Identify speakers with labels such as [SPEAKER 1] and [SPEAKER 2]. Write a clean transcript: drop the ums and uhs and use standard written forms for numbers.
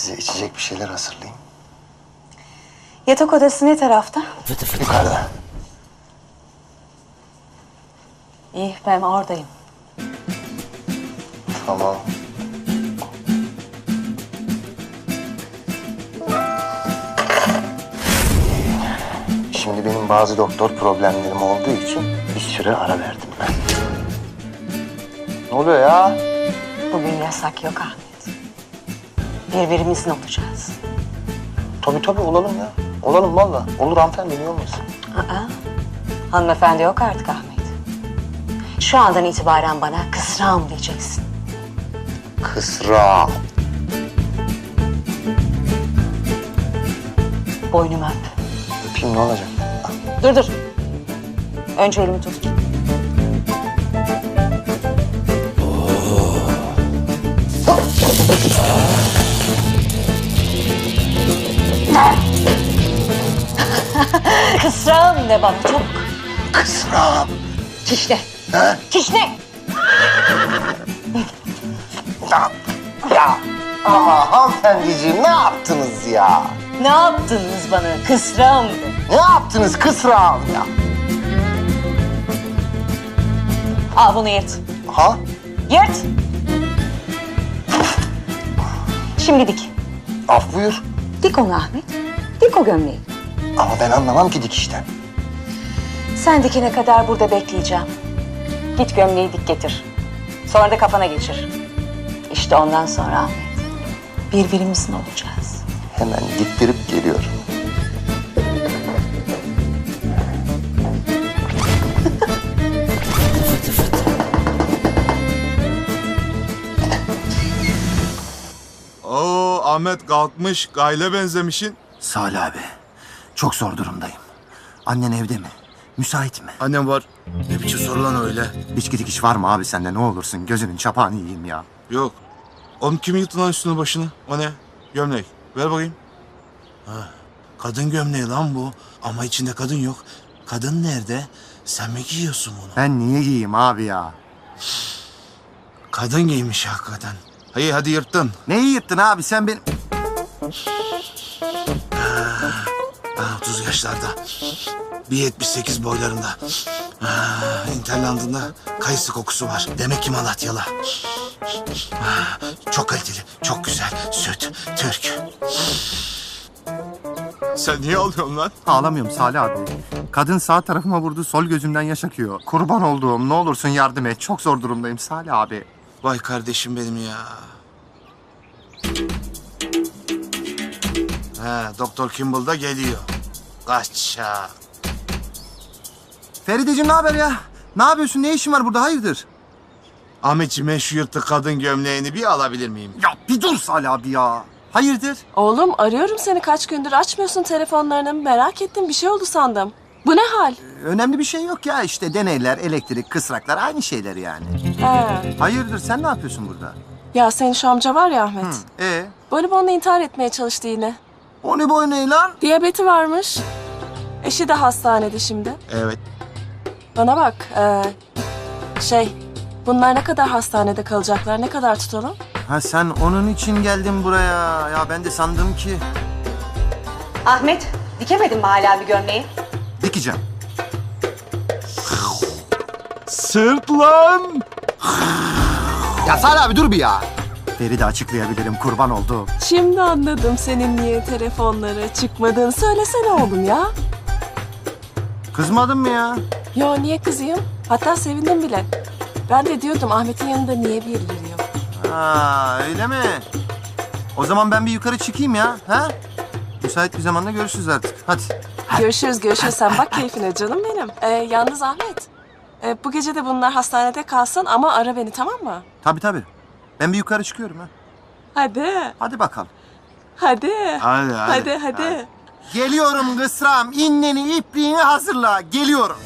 [SPEAKER 1] size içecek bir şeyler hazırlayayım.
[SPEAKER 2] Yatak odası ne tarafta?
[SPEAKER 1] Yukarıda.
[SPEAKER 2] İyi, ben oradayım.
[SPEAKER 1] Tamam. Şimdi benim bazı doktor problemlerim olduğu için bir süre ara verdim ben. Ne oluyor ya?
[SPEAKER 2] Bugün yasak yok Ahmet. Birbirimizin olacağız.
[SPEAKER 1] Tabii olalım ya. Olalım valla. Olur hanımefendi, niye olmasın?
[SPEAKER 2] Aa, hanımefendi yok artık Ahmet. Şu andan itibaren bana kısrağım diyeceksin.
[SPEAKER 1] Kısra.
[SPEAKER 2] Boynumu öp.
[SPEAKER 1] Öpeyim, ne olacak?
[SPEAKER 2] Dur. Önce elimi tut. Kısrağım de bana çok.
[SPEAKER 1] Kısra.
[SPEAKER 2] Kişne.
[SPEAKER 1] Ha?
[SPEAKER 2] Kişne.
[SPEAKER 1] Ya ama hanımefendiciğim ne yaptınız ya?
[SPEAKER 2] Ne yaptınız bana? Kısrağım de.
[SPEAKER 1] Ne yaptınız kısrağım ya?
[SPEAKER 2] Al bunu yırt.
[SPEAKER 1] Ha?
[SPEAKER 2] Yırt. Şimdi dik.
[SPEAKER 1] Af buyur.
[SPEAKER 2] Dik onu Ahmet. Dik o gömleği.
[SPEAKER 1] Ama ben anlamam ki dikişten.
[SPEAKER 2] Sen dikene kadar burada bekleyeceğim. Git gömleği dik getir. Sonra da kafana geçir. İşte ondan sonra Ahmet, birbirimizin olacağız.
[SPEAKER 1] Hemen diktirip geliyorum.
[SPEAKER 3] Oo Ahmet kalkmış, gayle benzemişin.
[SPEAKER 4] Salih abi, çok zor durumdayım. Annen evde mi? Müsait mi?
[SPEAKER 3] Annem var. Ne biçim soru lan öyle?
[SPEAKER 4] İçki dikiş var mı abi sende, ne olursun? Gözünün çapağını yiyeyim ya.
[SPEAKER 3] Yok. Oğlum kim yıktı lan üstüne başını? O ne? Gömlek. Ver bakayım. Ha, kadın gömleği lan bu. Ama içinde kadın yok. Kadın nerede? Sen mi giyiyorsun bunu?
[SPEAKER 4] Ben niye giyeyim abi ya?
[SPEAKER 3] Kadın giymiş hakikaten. Hayır hadi yırttın.
[SPEAKER 4] Neyi yırttın abi sen benim...
[SPEAKER 3] 30 yaşlarda. 1.78 boylarında. İnterlandında kayısı kokusu var. Demek ki Malatyalı. Çok kaliteli, çok güzel. Süt, Türk. Sen niye ağlıyorsun lan?
[SPEAKER 4] Ağlamıyorum Salih abi. Kadın sağ tarafıma vurdu, sol gözümden yaş akıyor. Kurban olduğum, ne olursun yardım et. Çok zor durumdayım Salih abi.
[SPEAKER 3] Vay kardeşim benim ya. Doktor Kimball da geliyor. Kaçak.
[SPEAKER 4] Ferideciğim ne haber ya? Ne yapıyorsun? Ne işin var burada? Hayırdır?
[SPEAKER 3] Ahmetciğim ben şu yırtık kadın gömleğini bir alabilir miyim?
[SPEAKER 4] Ya bir dur Salih abi ya. Hayırdır?
[SPEAKER 5] Oğlum arıyorum seni kaç gündür açmıyorsun telefonlarını. Merak ettim bir şey oldu sandım. Bu ne hal?
[SPEAKER 4] Önemli bir şey yok ya, işte deneyler, elektrik, kısraklar aynı şeyler yani.
[SPEAKER 5] He.
[SPEAKER 4] Hayırdır, sen ne yapıyorsun burada?
[SPEAKER 5] Ya senin şu amca var ya Ahmet. Bonibonla intihar etmeye çalıştı yine.
[SPEAKER 4] O ne boy ne lan?
[SPEAKER 5] Diyabeti varmış. Eşi de hastanede şimdi.
[SPEAKER 3] Evet.
[SPEAKER 5] Bana bak bunlar ne kadar hastanede kalacaklar, ne kadar tutalım?
[SPEAKER 4] Ha sen onun için geldin buraya. Ya ben de sandım ki...
[SPEAKER 2] Ahmet, dikemedin mi hala bir gömleği?
[SPEAKER 4] Dikeceğim.
[SPEAKER 3] Sırt lan!
[SPEAKER 4] Ya Salih abi dur bir ya. Feride açıklayabilirim, kurban oldu.
[SPEAKER 5] Şimdi anladım senin niye telefonlara çıkmadığını. Söylesene oğlum ya.
[SPEAKER 4] Kızmadın mı ya?
[SPEAKER 5] Yo niye kızayım? Hatta sevindim bile. Ben de diyordum Ahmet'in yanında niye birileri yok?
[SPEAKER 4] Ha öyle mi? O zaman ben bir yukarı çıkayım ya. Ha? Müsait bir zamanda görüşürüz artık. Hadi.
[SPEAKER 5] Görüşürüz. Sen bak keyfine canım benim. Yalnız Ahmet, bu gece de bunlar hastanede kalsın ama ara beni tamam mı?
[SPEAKER 4] Tabii. Ben bir yukarı çıkıyorum ha.
[SPEAKER 5] Hadi.
[SPEAKER 4] Hadi bakalım.
[SPEAKER 5] Hadi.
[SPEAKER 3] Hadi.
[SPEAKER 5] Hadi.
[SPEAKER 4] Geliyorum kısram. İnneni, ipliğini hazırla. Geliyorum.